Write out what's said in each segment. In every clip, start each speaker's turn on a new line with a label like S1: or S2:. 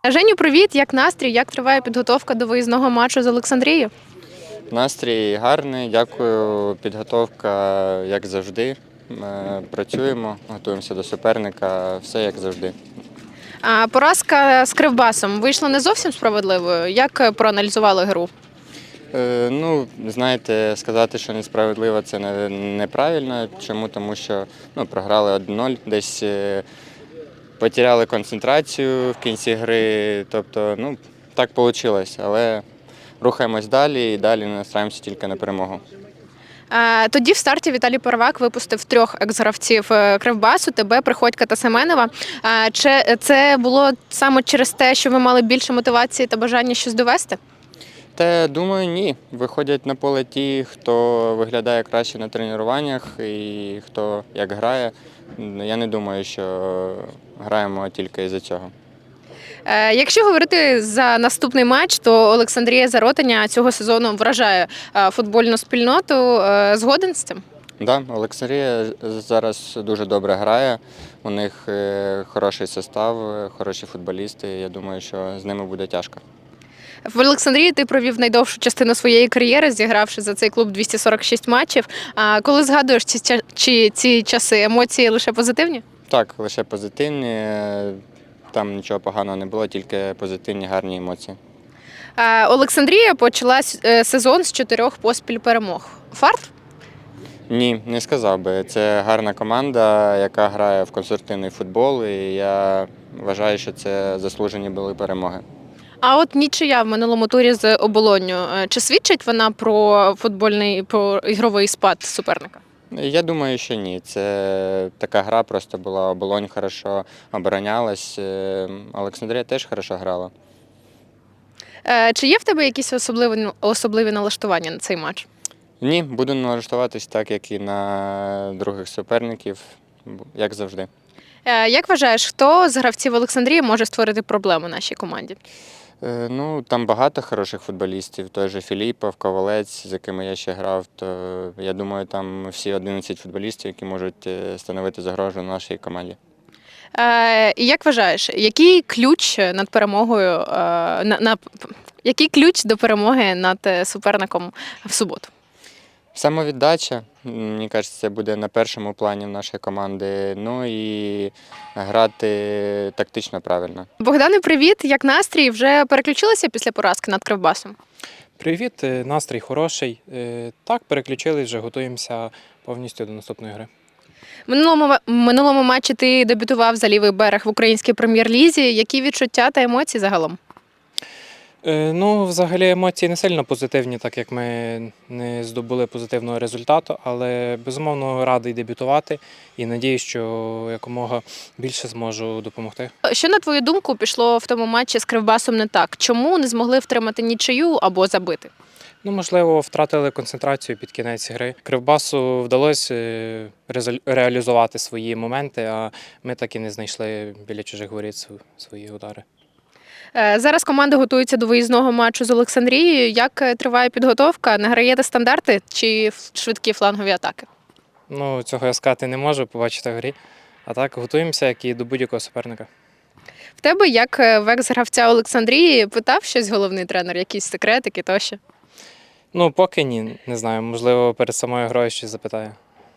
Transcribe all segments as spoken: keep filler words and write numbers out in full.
S1: Женю, привіт! Як настрій? Як триває підготовка до виїзного матчу з Олександрією?
S2: Настрій гарний, дякую. Підготовка, як завжди. Ми працюємо, готуємося до суперника, все як завжди.
S1: А, поразка з Кривбасом вийшла не зовсім справедливою. Як проаналізували гру?
S2: Е, ну, знаєте, сказати, що несправедливо, це не- неправильно. Чому? Тому що ну, програли один нуль, десь е, потеряли концентрацію в кінці гри. Тобто, ну, так вийшло. Але рухаємось далі і далі настраємося тільки на перемогу.
S1: А, тоді в старті Віталій Первак випустив трьох екс-гравців е, Кривбасу, тебе, Приходька та Семенова. А, чи це було саме через те, що ви мали більше мотивації та бажання щось довести?
S2: Та думаю, ні. Виходять на поле ті, хто виглядає краще на тренуваннях і хто як грає. Я не думаю, що граємо тільки із-за цього.
S1: Е, Якщо говорити за наступний матч, то Олександрія Заротиня цього сезону вражає е, футбольну спільноту. Е, Згоден з цим?
S2: Да, Олександрія зараз дуже добре грає. У них е, хороший состав, е, хороші футболісти. Я думаю, що з ними буде тяжко.
S1: В Олександрії ти провів найдовшу частину своєї кар'єри, зігравши за цей клуб двісті сорок шість матчів. А коли згадуєш ці, ча- чи ці часи, емоції лише позитивні?
S2: Так, лише позитивні. е, Там нічого поганого не було, тільки позитивні, гарні емоції.
S1: А, Олександрія почала с- е, сезон з чотирьох поспіль перемог. Фарт?
S2: Ні, не сказав би. Це гарна команда, яка грає в конструктивний футбол, і я вважаю, що це заслужені були перемоги.
S1: А от нічия в минулому турі з Оболонню. Е, Чи свідчить вона про футбольний, про ігровий спад суперника?
S2: Я думаю, що ні. Це така гра просто була. Оболонь хорошо оборонялась. е, Олександрія теж хорошо грала.
S1: Е, Чи є в тебе якісь особливі, особливі налаштування на цей матч?
S2: Ні, буду налаштуватись так, як і на других суперників, бу- як завжди.
S1: Е, Як вважаєш, хто з гравців Олександрії може створити проблему нашій команді?
S2: Е, Ну, там багато хороших футболістів, той же Філіпов, Ковалець, з якими я ще грав. То я думаю, там всі одинадцять футболістів, які можуть е, становити загрозу нашій команді.
S1: Е, І як вважаєш, який ключ над перемогою, е, на, на, який ключ до перемоги над е, суперником в суботу?
S2: Самовіддача, м, мені кажеться, це буде на першому плані в нашої команди. Ну і грати тактично правильно.
S1: Богдане, привіт! Як настрій? Вже переключилися після поразки над Кривбасом?
S3: Привіт, е, настрій хороший. Е, Так, переключились, вже готуємося повністю до наступної гри.
S1: В минулому, ма- минулому матчі ти дебютував за лівий берег в українській прем'єр-лізі. Які відчуття та емоції загалом?
S3: Е, Ну, взагалі емоції не сильно позитивні, так як ми не здобули позитивного результату, але безумовно радий дебютувати і надіюсь, що якомога більше зможу допомогти.
S1: Що, на твою думку, пішло в тому матчі з Кривбасом не так? Чому не змогли втримати нічию або забити?
S3: Ну, можливо, втратили концентрацію під кінець гри. Кривбасу вдалося е, резаль- реалізувати свої моменти, а ми так і не знайшли біля чужих воріт св- свої удари.
S1: Е, Зараз команда готується до виїзного матчу з Олександрією. Як е, триває підготовка? Не граєте стандарти чи ф- швидкі флангові атаки?
S3: Ну, цього я сказати не можу, побачити в грі. А так, готуємося, як і до будь-якого суперника.
S1: В тебе, як е, в екс-гравця Олександрії, питав щось головний тренер, якісь секретики тощо?
S3: Ну, поки ні, не знаю, можливо, перед самою грою щось запитаю.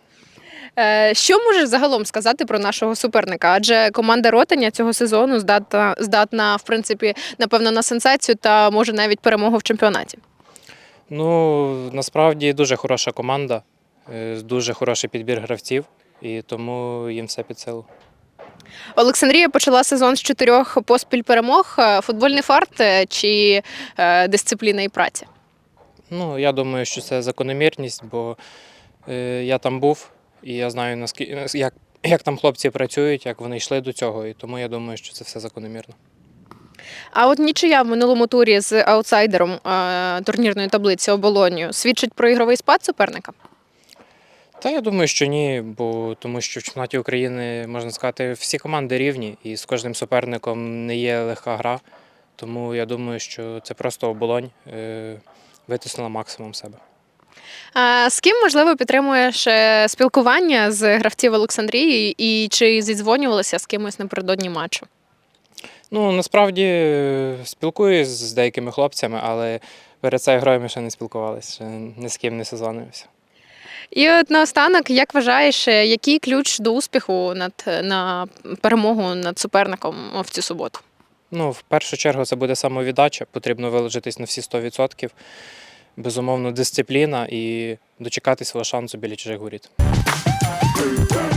S1: Е, Що можеш загалом сказати про нашого суперника? Адже команда Ротаня цього сезону здатна, здатна, в принципі, напевно, на сенсацію та може навіть перемогу в чемпіонаті.
S3: Ну, насправді дуже хороша команда, е, дуже хороший підбір гравців, і тому їм все під силу.
S1: Олександрія почала сезон з чотирьох поспіль перемог. Е, Футбольний фарт е, чи е, дисципліна і праця?
S3: Ну, я думаю, що це закономірність, бо е, я там був, і я знаю, наскільки, як, як там хлопці працюють, як вони йшли до цього, і тому я думаю, що це все закономірно.
S1: А от нічия в минулому турі з аутсайдером е, турнірної таблиці Оболонію свідчить про ігровий спад суперника?
S3: Та я думаю, що ні, бо тому що в чемпіонаті України, можна сказати, всі команди рівні, і з кожним суперником не є легка гра. Тому я думаю, що це просто Оболонь е, витиснула максимум себе.
S1: А з ким, можливо, підтримуєш е, спілкування з гравців Олександрії і чи зідзвонювалися з кимось напередодні матчу?
S3: Ну, насправді е, спілкуюсь з деякими хлопцями, але перед цією грою ми ще не спілкувалися, ще ні з ким не созвонився.
S1: І от наостанок, як вважаєш, е, який ключ до успіху над на перемогу над суперником в цю суботу?
S3: Ну, в першу чергу це буде самовіддача, потрібно виложитись на всі сто відсотків. Безумовно, дисципліна і дочекати свого шансу біля чужих воріт.